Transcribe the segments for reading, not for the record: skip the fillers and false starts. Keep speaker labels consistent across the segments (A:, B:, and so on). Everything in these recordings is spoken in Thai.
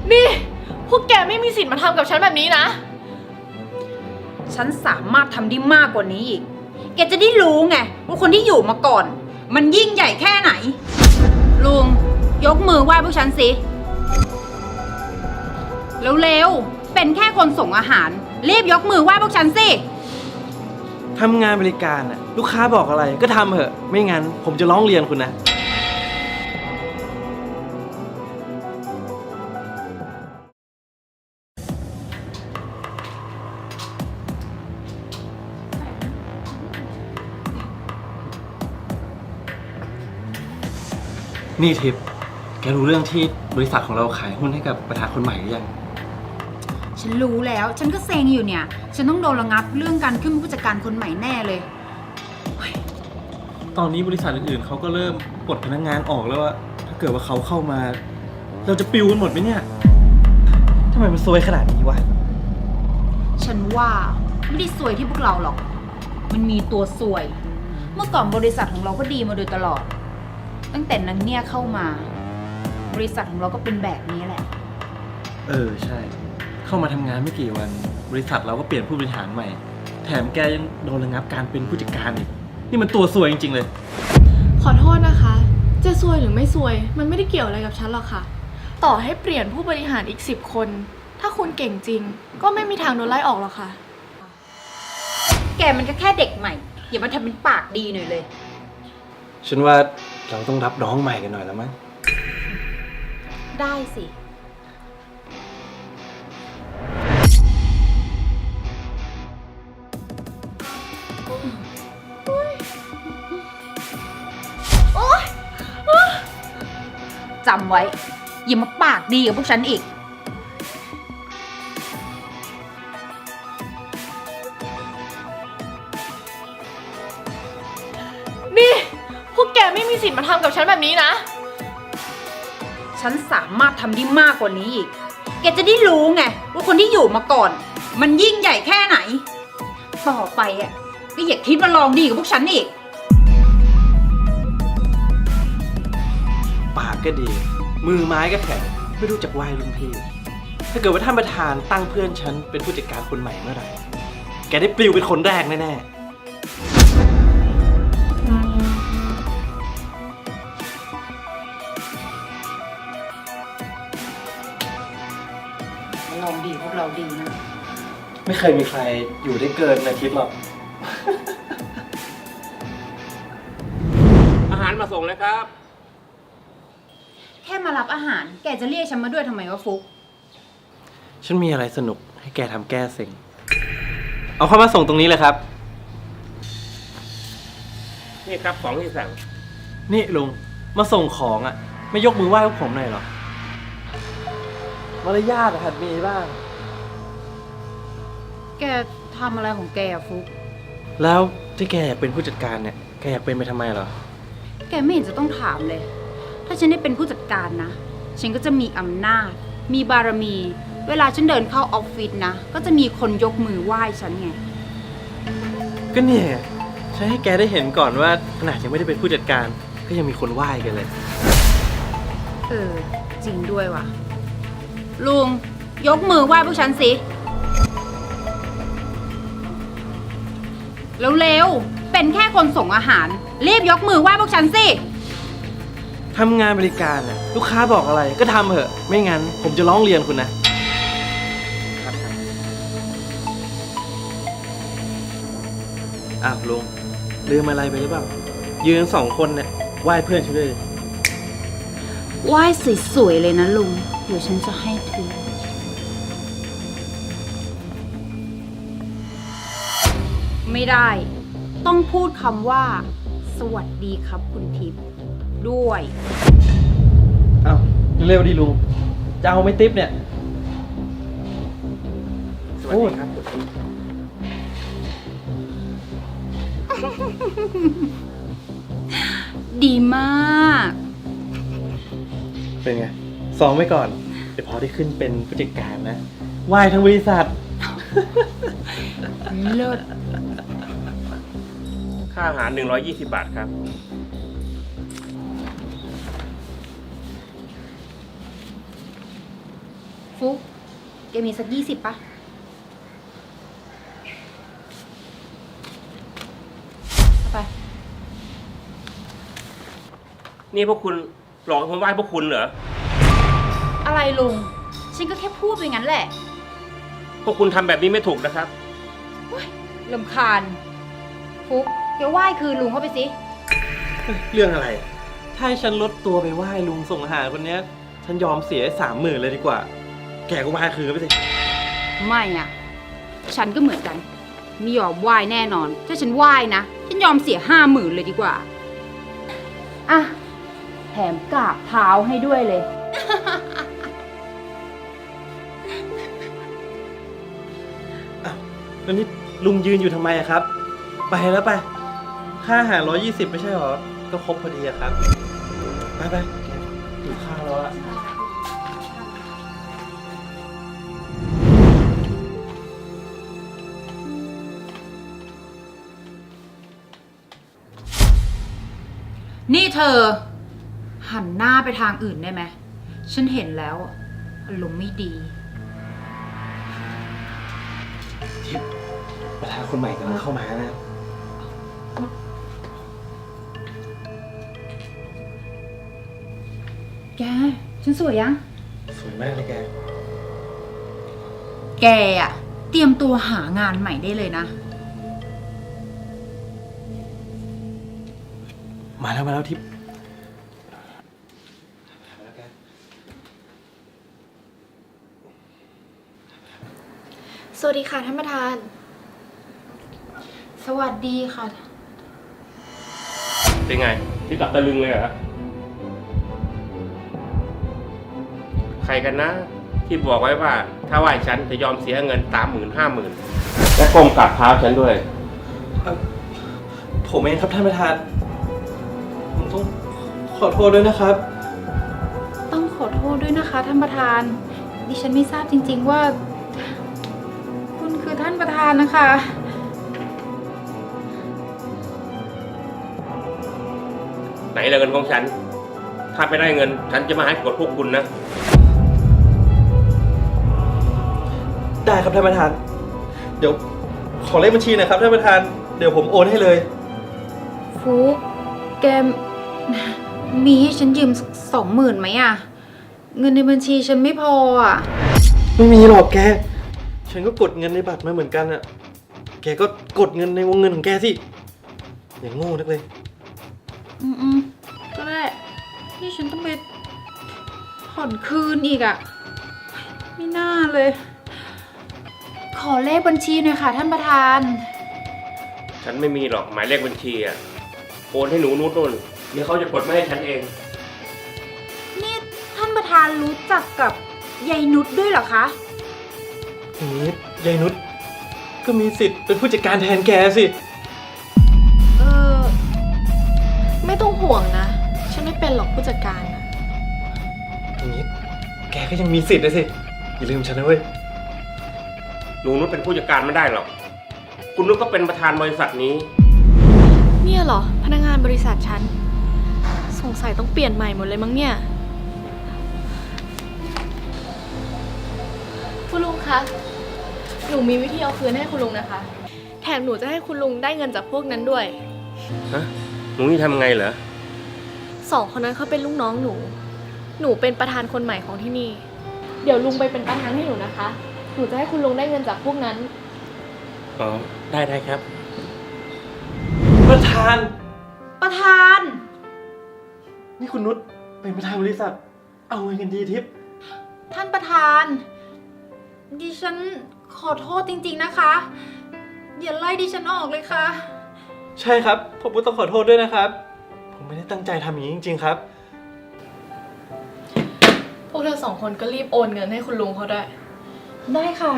A: นี่พวกแกไม่มีสิทธิ์มาทำกับฉันแบบนี้นะ
B: ฉันสามารถทำได้มากกว่านี้อีก แกจะได้รู้ไงว่าคนที่อยู่มาก่อน มันยิ่งใหญ่แค่ไหน ลุงยกมือไหว้พวกฉันสิเร็วๆเป็นแค่คนส่งอาหารรีบยกมือไหว้พวกฉันสิ
C: ทำงานบริการน่ะลูกค้าบอกอะไรก็ทำเถอะไม่งั้นผมจะร้องเรียนคุณนะนี่ทิพย์แกรู้เรื่องที่บริษัทของเราขายหุ้นให้กับประธานคนใหม่หรือยัง
B: ฉันรู้แล้วฉันก็เซ็งอยู่เนี่ยฉันต้องโดนระงับเรื่องการขึ้นเป็นผู้จัดการคนใหม่แน่เลย
C: ตอนนี้บริษัทอื่นๆเขาก็เริ่มปลดพนักงานออกแล้วว่าถ้าเกิดว่าเขาเข้ามา เราจะปิวกันหมดไหมเนี่ยทำไมมันซวยขนาดนี้วะ
B: ฉันว่าไม่ได้ซวยที่พวกเราหรอกมันมีตัวซวย เมื่อก่อนบริษัทของเราก็ดีมาโดยตลอด ตั้งแต่นั้นเนี่ยเข้ามา บริษัทของเราก็เป็นแบบนี้แหละ
C: ใช่ เข้ามาทำงานไม่กี่วัน บริษัทเราก็เปลี่ยนผู้บริหารใหม่ แถมแกยังโดนระงับการเป็นผู้จัดการอีกนี่มันตัวซวยจริงๆเลย
A: ขอโทษนะคะ จะซวยหรือไม่ซวย มันไม่ได้เกี่ยวอะไรกับฉันหรอกค่ะ ต่อให้เปลี่ยนผู้บริหารอีก10 คน ถ้าคุณเก่งจริง ก็ไม่มีทางโดนไล่ออกหรอกค่ะ
B: แกมันก็แค่เด็กใหม่อย่ามาทำเป็นปากดีหน่อยเลย
C: ฉันว่าเราต้องรับน้องใหม่กันหน่อยแล้วมั้ง
B: ได้สิ จำไว้ อย่ามาปากดีกับพวกฉันอีก
A: นี่พวกแกไม่มีสิทธิ์มาทำกับฉันแบบนี้นะ
B: ฉันสามารถทำได้มากกว่านี้อีก แกจะได้รู้ไงว่าคนที่อยู่มาก่อน มันยิ่งใหญ่แค่ไหน ต่อไปอ่ะก็อย่าคิดมาลองดีกับพวกฉันอีก
C: ปากก็ดี มือไม้ก็แข็งไม่รู้จักไหว้รุ่นพี่ ถ้าเกิดว่าท่านประธานตั้งเพื่อนฉันเป็นผู้จัดการคนใหม่เมื่อไหร่ แกได้ปลิวเป็นคนแรกแน่
B: ลองดีพวกเราดีนะ
C: ๆ ไม่เคยมีใครอยู่ได้เกินอาทิตย์หรอก
D: อาหารมาส่งแล้วครับ
B: แค่มารับอาหาร แกจะเรียกฉันมาด้วยทำไมวะฟุก
C: ฉันมีอะไรสนุกให้แกทำแก้เซ็ง เอาเข้ามาส่งตรงนี้เลยครับ
D: นี่ครับของที่สั่ง
C: นี่ลุง มาส่งของอ่ะ ไม่ยกมือไหว้พวกผมหน่อยเหรอ มารยาทหัดมีบ้าง
B: แกทำอะไรของแกอะฟุก
C: แล้วที่แกอยากเป็นผู้จัดการเนี่ย แกอยากเป็นไปทำไมเหรอ
B: แกไม่เห็นจะต้องถามเลย ถ้าฉันได้เป็นผู้จัดการนะ ฉันก็จะมีอำนาจ มีบารมี เวลาฉันเดินเข้าออฟฟิศนะ ก็จะมีคนยกมือไหว้ฉันไง
C: ก็เนี่ยใช้ให้แกได้เห็นก่อนว่าขนาดยังไม่ได้เป็นผู้จัดการ ก็ยังมีคนไหว้กันเลย
B: จริงด้วยว่ะ ลุง ยกมือไหว้พวกฉันสิเร็วๆเป็นแค่คนส่งอาหารรีบยกมือไหว้พวกฉันสิ
C: ทำงานบริการน่ะลูกค้าบอกอะไรก็ทำเถอะ ไม่งั้นผมจะร้องเรียนคุณนะอ้าวลุงลืมอะไรไปหรือเปล่า ยืน2 คนเนี่ยไหว้เพื่อนฉันด้วย
B: ไหว้สวยๆเลยนะลุง เดี๋ยวฉันจะให้ทีไม่ได้ ต้องพูดคำว่า สวัสดีครับคุณทิพย์ด้วย
C: อ้าวเร็วดิลุง จะเอาไม่ติ๊บเนี่ย
D: สวัสดีครับ
B: ดีมาก
C: เป็นไงซ้อมไว้ก่อน เดี๋ยวพอได้ขึ้นเป็นผู้จัดการนะไหว้ทั้งบริษัท
B: เลิศ
D: ค่าอาหาร 120 บาทครับ
B: ฟุกแกมีสัก20ปะเอาไป
D: นี่พวกคุณหลอกให้ผมไหว้พวกคุณเหรอ
B: อะไรลุง ฉันก็แค่พูดไปงั้นแหละ
D: พวกคุณทำแบบนี้ไม่ถูกนะครับ
B: ลำคาญ ฟุกแกไหว้คือลุงเข้าไปสิ
C: เรื่องอะไร ถ้าให้ฉันลดตัวไปไหว้ลุงส่งอาหารคนเนี้ย ฉันยอมเสีย30,000เลยดีกว่า แกก็ไหว้คืนไปสิ
B: ไม่อ่ะ ฉันก็เหมือนกัน ไม่ยอมไหว้แน่นอน ถ้าฉันไหว้นะ ฉันยอมเสีย50,000เลยดีกว่า อ่ะ แถมกราบเท้าให้ด้วยเลย
C: แล้วนี่ลุงยืนอยู่ทำไมอะครับ ไปแล้วไป ค่าอาหาร120ไม่ใช่หรอ ก็ครบพอดีอะครับ ไปไปหิวข้าวแล้วอะ
B: นี่เธอ หันหน้าไปทางอื่นได้ไหม ฉันเห็นแล้วอารมณ์ไม่ดี
C: ทิพย์ประธานคนใหม่กำลังเข้ามานะ
B: แก ฉันสวยยัง
C: สวยมากเลยแก
B: แกอะเตรียมตัวหางานใหม่ได้เลยนะ
C: มาแล้วทิพย์มาแล้วแก
A: สวัสดีค่ะท่านประธาน
B: สวัสดีค่ะ
D: เป็นไง ที่กลับตะลึงเลยเหรอ ใครกันนะ ที่บอกไว้ว่า ถ้าไหว้ฉันจะยอมเสียเงิน30,000 50,000และก้มกราบเท้าฉันด้วย
C: ผมเองครับท่านประธาน ผมต้องขอโทษด้วยนะครับ
B: ต้องขอโทษด้วยนะคะท่านประธาน ดิฉันไม่ทราบจริงๆว่า คุณคือท่านประธานนะคะ
D: ไหนล่ะเงินของฉัน ถ้าไม่ได้เงิน ฉันจะมาให้กดพวกคุณนะ
C: ได้ครับท่านประธาน เดี๋ยวขอเลขบัญชีหนะครับท่านประธาน เดี๋ยวผมโอนให้เลย
B: ฟุกแกมีให้ฉันยืมสัก20,000ไหมอะเงินในบัญชีฉันไม่พออะ
C: ไม่มีหรอกแก ฉันก็กดเงินในบัตรมาเหมือนกันอะแกก็กดเงินในวงเงินของแกสิ อย่างโง่นักเลย
B: อืมก็ได้ที่ฉันต้องไปผ่อนคืนอีกอะไม่น่าเลย ขอเลขบัญชีหน่อยค่ะท่านประธาน
D: ฉันไม่มีหรอกหมายเลขบัญชีอ่ะ โอนให้หนูนุชนู่นเดี๋ยวเขาจะกดมาให้ฉันเอง
B: นี่ท่านประธานรู้จักกับยายนุชด้วยเหรอคะ
C: อย่างนี้ยายนุชก็มีสิทธิ์เป็นผู้จัดการแทนแกสิ
B: เออ
A: ไม่ต้องห่วงนะ ฉันไม่เป็นหรอกผู้จัดการนะ
C: อย่างนี้แกก็ยังมีสิทธิ์เลยสิ อย่าลืมฉันนะเว้ย
D: หนูนุชเป็นผู้จัดการไม่ได้หรอก คุณนุชก็เป็นประธานบริษัทนี้
A: เนี่ยเหรอ พนักงานบริษัทฉัน สงสัยต้องเปลี่ยนใหม่หมดเลยมั้งเนี่ย คุณลุงคะ หนูมีวิธีเอาคืนให้คุณลุงนะคะ แถมหนูจะให้คุณลุงได้เงินจากพวกนั้นด้วย
D: ฮะ หนูนี่ทำไงเหรอ
A: 2 คนนั้นเขาเป็นลูกน้องหนู หนูเป็นประธานคนใหม่ของที่นี่ เดี๋ยวลุงไปเป็นประธานให้หนูนะคะ หนูจะให้คุณลุงได้เงินจากพวกนั้น
D: อ๋อ ได้ครับ
C: ประธาน
B: ประธาน
C: นี่คุณนุชเป็นประธานบริษัท เอาไงกันดีทิพย์
B: ท่านประธาน ดิฉันขอโทษจริงๆนะคะ อย่าไล่ดิฉันออกเลยค่ะ
C: ใช่ครับ ผมก็ต้องขอโทษด้วยนะครับ ผมไม่ได้ตั้งใจทำอย่างนี้จริงๆครับ
A: พวกเธอ2 คนก็รีบโอนเงินให้คุณลุงเขาได้
B: ได้ค่ะ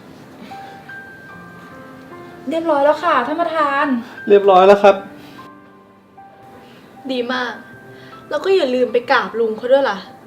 B: เรียบร้อยแล้วค่ะท่านประธาน
C: เรียบร้อยแล้วครับ
A: ดีมาก แล้วก็อย่าลืมไปกราบลุงเขาด้วยล่ะ